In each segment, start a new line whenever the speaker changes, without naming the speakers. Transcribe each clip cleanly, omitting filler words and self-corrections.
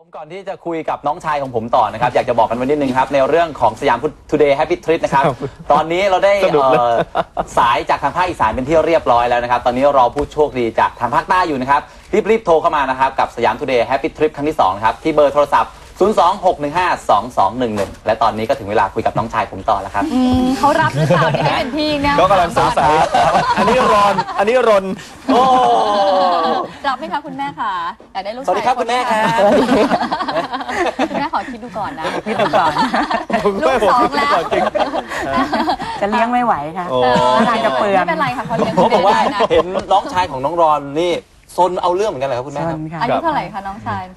ก่อนที่จะคุยกับน้องชายของผมต่อนะครับอยากจะบอกกันไว้นิดนึงครับในเรื่องของสยามทูเดย์แฮปปี้ทริปนะครับตอนนี้เราได้สายจากทางภาคอีสานเป็นที่เรียบร้อยแล้วนะครับตอนนี้รอผู้โชคดีจากทางภาคใต้อยู่นะครับรีบโทรเข้ามานะครับกับสยามทูเดย์แฮปปี้ทริปครั้งที่2ครับที่เบอร์โทรศัพท์026152211และตอนนี้ก็ถึงเวลาคุยกับน้องชายผมต่อแล้วครับ
เขารับหรือเปล่าที่เป็นพี่เนี่ย
ก็กำลังสงสัยอันนี้รอน
โอ้
รับไหมคะคุณแม่ค่ะอยากได้ลูกชาย
สวัสดีครับคุณแม่ครับ
คุณแม่ขอคิดดูก่อนนะ
คิดดูก่อน
ลูก2แล้ว
จะเลี้ยงไม่ไหวค่ะทางจะเปลือง
ไม่เป็นไรค่ะเขาเลี้ยง
เขาบอกว่าเห็นน้องชายของน้องรอนนี่ซนเอาเรื่องเหมือนกันเลยครับคุณแม่ครับ
อายุเท่าไหร่คะน้องชาย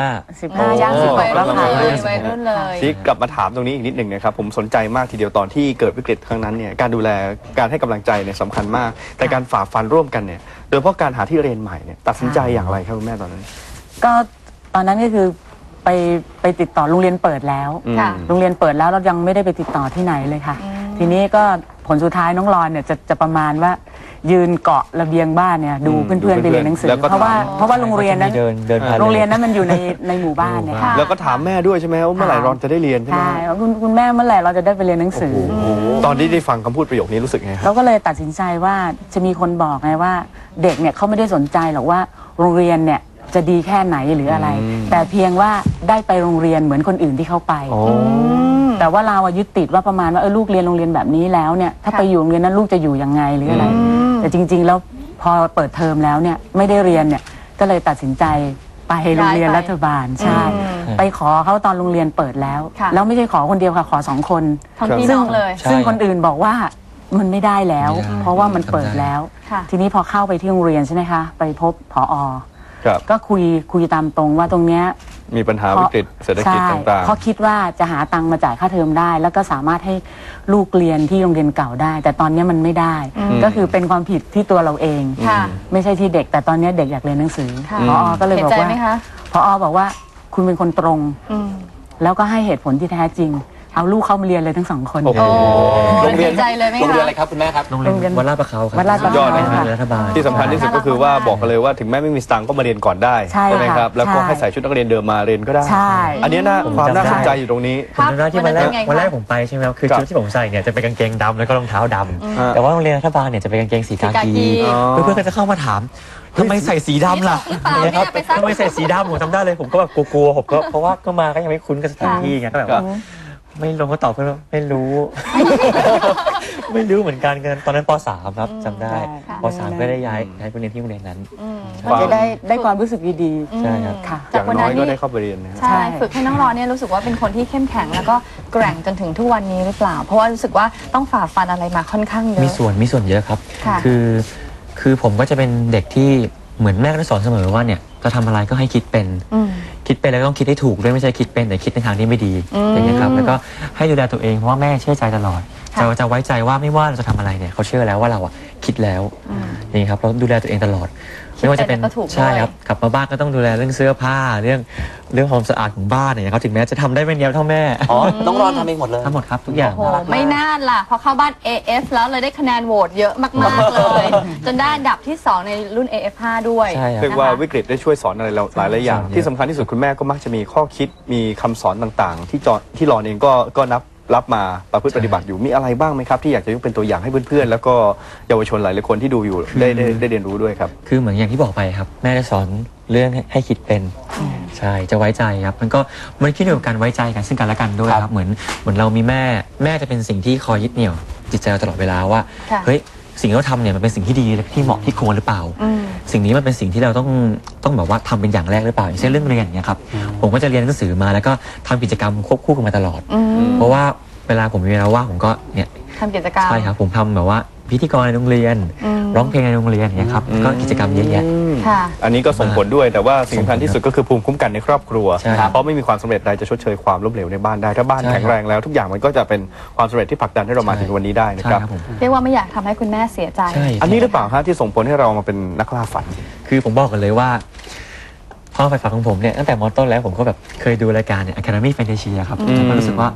15ย่าง16แล้วค่ะ
วัยรุ่นเลย
ที่กลับมาถามตรงนี้อีกนิดหนึ่งนะครับผมสนใจมากทีเดียวตอนที่เกิดวิกฤตครั้งนั้นเนี่ยการดูแลการให้กำลังใจเนี่ยสำคัญมากแต่การฝ่าฟันร่วมกันเนี่ยโดยเฉพาะการหาที่เรียนใหม่เนี่ยตัดสินใจอย่างไรครับคุณแม่ตอนนั้น
ก็ตอนนั้นก็คือไปติดต่อโรงเรียนเปิดแล้วโรงเรียนเปิดแล้วเรายังไม่ได้ไปติดต่อที่ไหนเลยค่ะทีนี้ก็ผลสุดท้ายน้องรอนเนี่ยจะประมาณว่ายืนเกาะระเบียงบ้านเนี่ยดูเพื่อนๆไปเรียนหนังสือเพราะว่าโรงเรียนนั้นมันอยู่ในหมู่บ้านเนี่ย
แล้วก็ถามแม่ด้วยใช่ไหมว่าเมื่อไหร่รอนจะได้เรียนใช่ไหม
ใช่คุณแม่เมื่อไหร่เราจะได้ไปเรียนหนังสือ
ตอนที่ได้ฟังคำพูดประโยคนี้รู้สึกไง
เราก็เลยตัดสินใจว่าจะมีคนบอกไงว่าเด็กเนี่ยเขาไม่ได้สนใจหรอกว่าโรงเรียนเนี่ยจะดีแค่ไหนหรืออะไรแต่เพียงว่าได้ไปโรงเรียนเหมือนคนอื่นที่เขาไปแต่ว่าเรายึดติดว่าประมาณว่าลูกเรียนโรงเรียนแบบนี้แล้วเนี่ยถ้าไปอยู่โรงเรียนนั้นลูกจะอยู่ยังไงหรืออะไรแต่จริงๆแล้วพอเปิดเทอมแล้วเนี่ยไม่ได้เรียนเนี่ยก็เลยตัดสินใจไปโรงเรียนรัฐบาลใช่ไปขอเขาตอนโรงเรียนเปิดแล้วแล้วไม่ใช่ขอคนเดียวค่ะขอ2 คนซึ่งคนอื่นบอกว่ามันไม่ได้แล้วเพราะว่ามันเปิดแล้วทีนี้พอเข้าไปที่โรงเรียนใช่ไหมคะไปพบผอ.ก็คุยตามตรงว่าตรงเนี้ย
มีปัญหาวิกฤตเศรษฐกิจต่างๆ
เพราะคิดว่าจะหาตังค์มาจ่ายค่าเทอมได้แล้วก็สามารถให้ลูกเรียนที่โรงเรียนเก่าได้แต่ตอนนี้มันไม่ได้ก็คือเป็นความผิดที่ตัวเราเองไม่ใช่ที่เด็กแต่ตอนนี้เด็กอยากเรียนหนังสือผอ.ก็เลยบอกว่าผอ.บอกว่าคุณเป็นคนตรงแล้วก็ให้เหตุผลที่แท้จริงเอาลูกเข้ามาเรียนเลยทั้ง2 คน
โรงเรียนอะไรครับคุณแม่ครับ
โรงเรียนวัดลาดประเขาครับ
วัดลาดประเขา
รัฐบาล
ที่สำคัญที่สุดก็คือว่าบอกกันเลยว่าถึงแม้ไม่มีสตางค์ก็มาเรียนก่อนได้ใช่ไหมครับแล้วก็ให้ใส่ชุดนักเรียนเดิมมาเรียนก็ได้อันนี้นะความน่าสนใจอยู่ตรงนี้
ผมจำได้ที่วันแรกผมไปใช่ไหมครับคือชุดที่ผมใส่เนี่ยจะเป็นกางเกงดำแล้วก็รองเท้าดำแต่ว่าโรงเรียนรัฐบาลเนี่ยจะเป็นกางเกงสีกากีเพื่อนๆก็จะเข้ามาถามทำไมใส่สีดำล่ะนะครับทำไมใส่สีดำผมจำได้เลยผมก็แบบกลัวผมก็เพราะว่าก็มาก็ยังไม่คุ้นกับสถานที่ไงก็แบบไม่ลงก็ตอบเพื่อนไม่รู้ไม่รู้เหมือนกันตอนนั้นป.3 ครับจำได้ป.3 ก็ได้ย้ายไปเรียนที่โรงเรียนนั้น
จะได้ความรู้สึกดี
ๆใช่ครับ
อย่างน้อยก็ได้เข้าไปเรียน
ใช่ฝึกให้น้องรอนเนี่ยรู้สึกว่าเป็นคนที่เข้มแข็งแล้วก็แกร่งจนถึงทุกวันนี้หรือเปล่าเพราะว่ารู้สึกว่าต้องฝ่าฟันอะไรมาค่อนข้างเยอะ
มีส่วนเยอะครับคือผมก็จะเป็นเด็กที่เหมือนแม่ก็สอนเสมอว่าเนี่ยจะทำอะไรก็ให้คิดเป็นแล้วก็ต้องคิดให้ถูกด้วยไม่ใช่คิดเป็นแต่คิดในทางที่ไม่ดีอย่างนี้ครับแล้วก็ให้ดูแลตัวเองเพราะว่าแม่เชื่อใจตลอดจะไว้ใจว่าไม่ว่าเราจะทำอะไรเนี่ยเขาเชื่อแล้วว่าเราอ่ะคิดแล้วนี่ครับเราดูแลตัวเองตลอดไม่ว่าจะเป็นใช่ครับกลับมาบ้านก็ต้องดูแลเรื่องเสื้อผ้าเรื่องความสะอาดของบ้านเนี่ยเขาถึงแม้จะทำได้ไม่เนียบเท่าแม่
น้องรอนทำเองหมดเลย
ทั้งหมดครับทุกอย่าง
ไม่น่าล่ะพอเข้าบ้าน AF แล้วเลยได้คะแนนโหวตเยอะมากๆเลยจนได้อันดับที่2ในรุ่น AF5 ด้วย
เรียกว่าวิกฤตได้ช่วยสอนอะไรเราหลายอย่างที่สำคัญที่สุดคุณแม่ก็มักจะมีข้อคิดมีคำสอนต่างๆที่รอนเองก็รับมาประพฤติปฏิบัติอยู่มีอะไรบ้างไหมครับที่อยากจะยกเป็นตัวอย่างให้เพื่อนๆแล้วก็เยาวชนหลายๆคนที่ดูอยู่ได้เรียนรู้ด้วยครับ
คือเหมือนอย่างที่บอกไปครับแม่จะสอนเรื่องให้คิดเป็นใช่จะไว้ใจครับมันขึ้นอยู่กับการไว้ใจกันซึ่งกันและกันด้วยครับเหมือนเรามีแม่จะเป็นสิ่งที่คอยยึดเหนี่ยวจิตใจเราตลอดเวลาว่าเฮ้ยสิ่งที่เราทำเนี่ยมันเป็นสิ่งที่ดีที่เหมาะที่ควรหรือเปล่าสิ่งนี้มันเป็นสิ่งที่เราต้องแบบว่าทำเป็นอย่างแรกหรือเปล่าอย่างเช่นเรื่องเรียนเนี่ยครับผมก็จะเรียนหนังสือมาแล้วก็ทำกิจกรรมควบคู่กันมาตลอดเพราะว่าเวลาผมมีเวลาว่างผมก็เนี่ย
ทำกิจกรรม
ใช่ครับผมทำแบบว่าพิธีกรในโรงเรียนร้องเพลงในโรงเรียนเนี่ยครับก็กิจกรรมเยอะแยะ
อันนี้ก็ส่งผลด้วยแต่ว่าสิ่งสำคัญที่สุดก็คือภูมิคุ้มกันในครอบครัวเพราะไม่มีความสำเร็จใดจะชดเชยความล้มเหลวในบ้านได้ถ้าบ้านแข็งแรงแล้วทุกอย่างมันก็จะเป็นความสำเร็จที่ผลักดันให้เรามาถึงวันนี้ได้นะครับ
เรียกว่าไม่อยากทำให้คุณแม่เสียใจ
อันนี้หรือเปล่าฮะที่ส่งผลให้เรามาเป็นนักล่าฝัน
คือผมบอกกันเลยว่าความใฝ่ฝันของผมเนี่ยตั้งแต่ม.ต้นแล้วผมก็แบบเคยดูรายการเนี่ย Academy Fantasia ครับผมก็รู้สึกว่า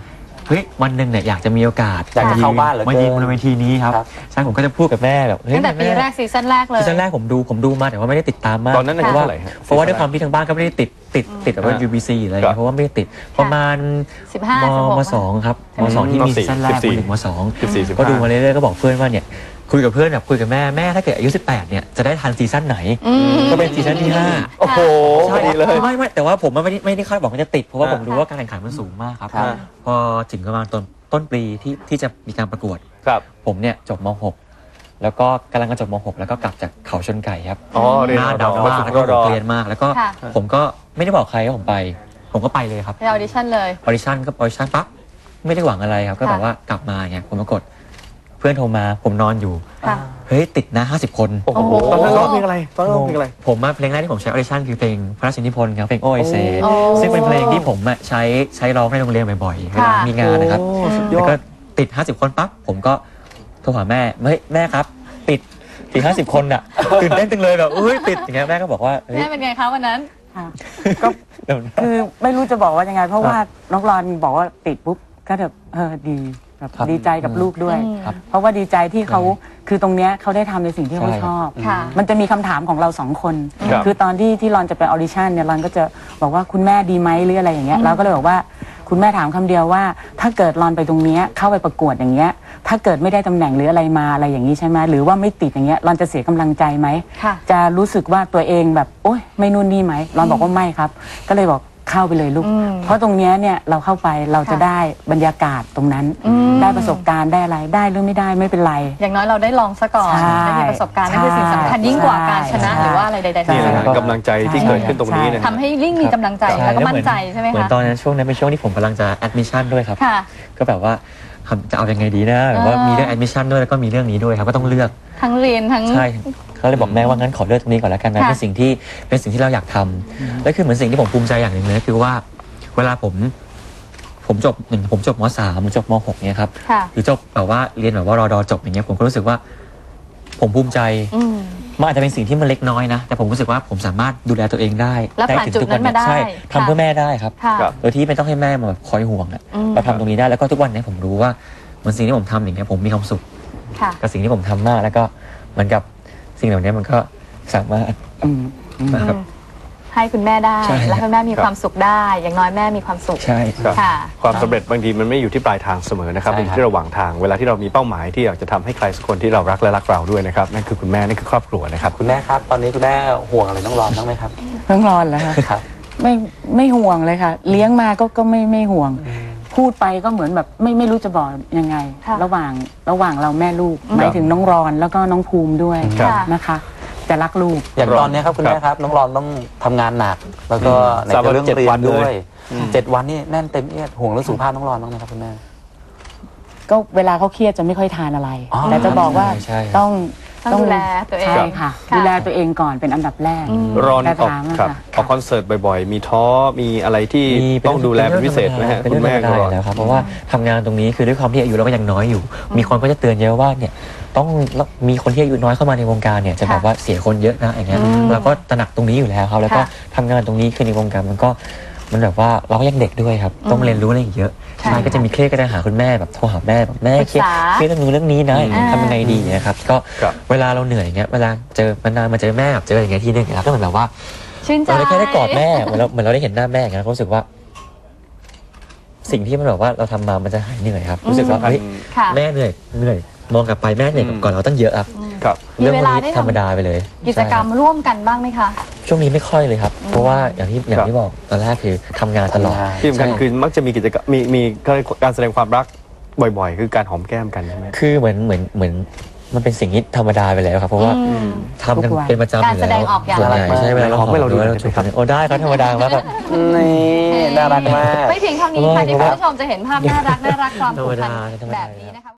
เฮ้ยวันหนึ่งเนี่ยอยากจะมีโอกาส
อยากจะเข้าบ้านเหลือเกิน
มายืนบนเวทีนี้ครับ
ครับ
ใช่ผมก็จะพูดกับแม่แบบเฮ้ย
ตั้งแต่ปีแรกซีซั่นแรกเลย
ซีซั่นแรกผมดูมาแต่ว่าไม่ได้ติดตามมาก
ตอนนั้นอายุ
เพราะว่า
เท่าไหร่ฮะ
เพราะว่าด้วยความที่ทางบ้านก็ไม่ได้ติดแบบว่า UBC อะไรอย่าง
ครั
เงี้
บ
ยเพราะว่าไม่ได้ติดประมาณ
15
มสองครับมสองที่มีซีซั่นแรก
14
ม.1 มสอง
14 15
ก็ดูมาเรื่อยๆก็บอกเพื่อนว่าเนี่ยคุยกับเพื่อนแบบคุยกับแม่ถ้าเกิดอายุ18เนี่ยจะได้ทันซีซั่นไหนก็เป็นซีซั่นที่5
โอ้โหพอดีเลย
ไม่แต่ว่าผมไม่ได้คาดหวังว่าจะติดเพราะว่าผมรู้ว่าการแข่งขันมันสูงมากครับ
ครับ
พอถึงประมาณต้นปีที่จะมีการประกวด
ครับ
ผมเนี่ยจบม .6 แล้วก็กำลังจะจบม .6 แล้วก็กลับจากเขาชนไก่ครับ
อ๋อเรียน
หน้า
ดาว
ดำมากแล้วก็เรียนมากแล้วก็
ค่ะ
ผมก็ไม่ได้บอกใครว่าผมก็ไปเลยครับ
ไปออดิชั่นเลย
ออดิชั่นปั๊บไม่ได้หวังอะไรครับก็แบบว่ากลับมาไงผมปรากฏเพื่อนโทรมาผมนอนอยู่
ค่ะ
เฮ้ยติดนะ50 คน
โอ้โหตอนนั้นร้องเพลงอะไรตอนนั้นร้องเพลงอะไร
ผมเพลงแรกที่ผมใช้ออดิชั่นคือเพลงพระราชนิพนธ์ครับเพลงโอไอเซ
โอ้
ซึ่งเป็นเพลงที่ผมใช้ร้องในโรงเรียนบ่อยๆเวลามีงานนะครับ
โอ้สุดยอ
แล้ว
ด
ก็ติด50 คนปั๊บผมก็โทรหาแม่เฮ้ยแม่ครับติด50 คนอ่ะตื่นเต้นจังเลยแบบเฮ้ยติดอย่างเงี้ยแม่ก็บอกว่าเฮ้ย
แม่เป็นไงคะวันนั้น
ค่ะก็คือไม่รู้จะบอกว่ายังไง เพราะว่าน้องรอนบอกว่าติดปุ๊บก็แบบดีแบบ
ครับ
ดีใจกับลูกด้วย
ครับ
เพราะว่าดีใจที่เขาคือตรงเนี้ยเขาได้ทำในสิ่งที่เขา
ใช่
ชอบ
ค่ะ
มันจะมีคำถามของเราสองคน
ครับ
คือตอนที่รอนจะไปออดิชั่นเนี่ยรอนก็จะบอกว่าคุณแม่ดีไหมหรืออะไรอย่างเงี้ยเราก็เลยบอกว่าคุณแม่ถามคำเดียวว่า ถ้าเกิดรอนไปตรงเนี้ยเข้าไปประกวดอย่างเงี้ยถ้าเกิดไม่ได้ตำแหน่งหรืออะไรมาอะไรอย่างนี้ใช่ไหมหรือว่าไม่ติดอย่างเงี้ยรอนจะเสียกำลังใจไหม
ค่ะ
จะรู้สึกว่าตัวเองแบบโอ๊ยไม่นู่นนี่ไหมรอนบอกว่าไม่ครับ ก็เลยบอกเข้าไปเลยลูก เพราะตรงเนี้ยเนี่ยเราเข้าไปเราจะ
ค่ะ
ได้บรรยากาศตรงนั้น ได้ประสบการณ์ได้อะไรได้หรือไม่ได้ไม่เป็นไร
อย่างน้อยเราได้ลองซะก่อน
ใช่
ได้มีประสบการณ์นั่นคือสิ่งสำคัญยิ่งกว่าการชนะ
ใช่
หรือว่าอะไรใดๆทั้
นี่
ง
แหละ
สิ้น
ฮะกำลังใจที่เกิดขึ้นตรงนี้นะ
ทำให้ยิ่งมีกำลังใจแล้วก็มั่นใจใช่ไหม
เหมือน
คะ
ตอนนั้นช่วงนั้นเป็นช่วงที่ผมกำลังจะแอดมิชชั่นด้วยครับ
ค่ะ
ก็แบบว่าจะเอายังไงดีนะแบบว่ามีเรื่องแอดมิชชั่นด้วยแล้วก็มีเรื่องนี้ด้วยครับก็ต้องเลือก
ทั้งเรียนทั้ง
ใช่เขาเลยบอกแม่ว่างั้นขอเลือกตรงนี้ก่อนแล้วกันนะ
ค่ะ
เป็นสิ่งที่เราอยากทำและคือเหมือนสิ่งที่ผมภูมิใจอย่างหนึ่งเลยคือว่าเวลาผมจบผมจบม.3 ผมจบม.6 เนี่ยครับ
ค่ะ
หรือจบแบบว่าเรียนแบบว่ารอดอจบอย่างเงี้ยผมก็รู้สึกว่าผมภูมิใจ
อืม
มันอาจจะเป็นสิ่งที่มันเล็กน้อยนะแต่ผมรู้สึกว่าผมสามารถดูแลตัวเองได้
แล้วผ่าน
ถึง
จุด
ทุกวัน
นั้นมาได้
ใช่
ค่ะ
ทำเพื่อแม่ได้ครับ
ค่ะ
ครับ
โดยที่ไม่ต้องให้แม่มาแบบคอยห่วงอ่ะ
อืม
เราทำตรงนี้ได้แล้วก็ทุกวันนี้ผมรู้ว่าเหมือนสิ่งที่ผมทำอย่างเงี้ยผมมีความสุข
ค่ะ
กับสิ่งที่ผมทำมากแล้วก็เหมือนกับสิ่งเหล่านี้มันก็สามารถ
อืม
นะครับ
ให้คุณแม่ได้
ใช่
และให้แม่มีความสุขได้ อย่างน้อยแม่มีความสุข
ใช่
ครับ
ค่ะ
ความสำเร็จบางทีมันไม่อยู่ที่ปลายทางเสมอนะครับ
ใช่
มันอ
ครับ
ยู่ที่ระหว่างทางเวลาที่เรามีเป้าหมายที่อยากจะทำให้ใครสักคนที่เรารักและรักเราด้วยนะครับนั่นคือคุณแม่นั่นคือครอบครัวนะครับ
คุณแม่ครับ ตอนนี้คุณแม่ห่วงอะไรน้องรอนบ้างไหมครับ
น้องรอนเหรอคะ
ครับ
ไม่ห่วงเลยค่ะ เลี้ยงมาก็ไม่ห่วง พูดไปก็เหมือนแบบไม่รู้จะบอกยังไง
ค่ะ
ระหว่างเราแม่ลูกหมายถึงน้องรอนแล้วก็น้องภูมิด้วย
ครับ
นะคะจะรักลูก
อย่างตอนนี้ครับคุณแม่ครับน้องรอนต้องทำงานหนัก แล้วก็ใน
สามวัน
เรื่อง
7
เรีย
วัน
นด้วย
เลย
7 วันนี่แน่นเต็มเอียดห่วงเรื่องสุขภาพน้องรอนบ้างไหมครับคุณแม่
ก็เวลาเขาเครียดจะไม่ค่อยทานอะไร
อ๋อ
แต่จะบอกว่า
ใช่
ต้อง
ต้องดูแลตัวเอง
ใช่ค่ะ
ค่ะ
ดูแลตัวเองก่อนเป็นอันดับแรก
รอน
แต่
ออก
ถามอะ
ครับ
ค่ะ
ออกคอนเสิร์ตบ่อยๆ มีท้อมีอะไรที่ต้องดูแลเป็นพิเศษไหมฮะ
เป็น
คุ
เรื่
ณ
องธร
แม่
รม
ก็
ดาอยู่แล้วครับเพราะว่าทำงานตรงนี้คือด้วยความที่อายุเราก็ยังน้อยอยู่ มีคนก็จะเตือนเยอะว่าเนี่ยต้องมีคนที่อายุน้อยเข้ามาในวงการเนี่ยจะแบบว่าเสียคนเยอะนะอย่างเงี้ยเราก็ตระหนักตรงนี้อยู่แล้วครับแล้วก็
ค่ะ
ทำงานตรงนี้คือในวงการมันแบบว่าเราก็ยังเด็กด้วยครับต้องเรียนรู้อะไรอีกเยอะ
ใช่
ใช่ก็จะมีเครียดก็จะหาคุณแม่แบบโทรหาแม่แบบแม่เครียด
ปรึกษา
เครียดเรื่องนู้นเรื่องนี้นะอย่างเงี้ยทำยังไงดีนะครับก็
ครับ
เวลาเราเหนื่อยอย่างเงี้ยเวลาเจอมันนานมาเจอแม่แบบเจออย่างเงี้ยทีนึงนะครับก็เหมือนแบบว่า
ชื่นใจ
เราได้แค่ได้กอดแม่เหมือนเราได้เห็นหน้าแม่อย่างเงี้ยก็รู้สึกว่า สิ่งที่มันแบบว่าเราทำมามันจะหายเหนื่อยครับรู้สึกว่าเฮ้ย
ค่ะ
แม่เหนื่อยมองกลับไปแม่เหนื่อยก่อนเราตั้งเยอะครับ
ครับ
มี
เรื่อง
เว
พวก
ลา
นี้
ได้ทำ
ธรรมดาไปเลย
กิจกรรม
ใช่คบ
ร่วมกันบ้างไหมคะ
ช่วงนี้ไม่ค่อยเลยครับ เพราะว่าอย่างที่บอกตอนแรกคือทำงานตลอด
ที่สำคัญคือมักจะมีกิจกรรมมีการแสดงความรักบ่อยๆ คือการหอมแก้มกันใช่ไหม
คือเหมือนมันเป็นสิ่งที่ธรรมดาไปแล้วครับ เพราะว่าทำกัน
ทุกวัน
เป็นประจำอยู่แล้ว
การแสดงออกอย่าง
ส่วนใหญ่ใช่เวลาเรา
หอมให้เราดู
ห
หน่อย
เรา
ได้
จู
ไหมครับ
บกันโอ้ได้ครับธรรมดามากครับ
นี่น่ารักมาก
ไม่เพียงเท่านี้ค่ะที่คุณผู้ชมจะเห็นภาพน่ารักความผูกพัน
ธรรมดา
แบบนี้นะคะ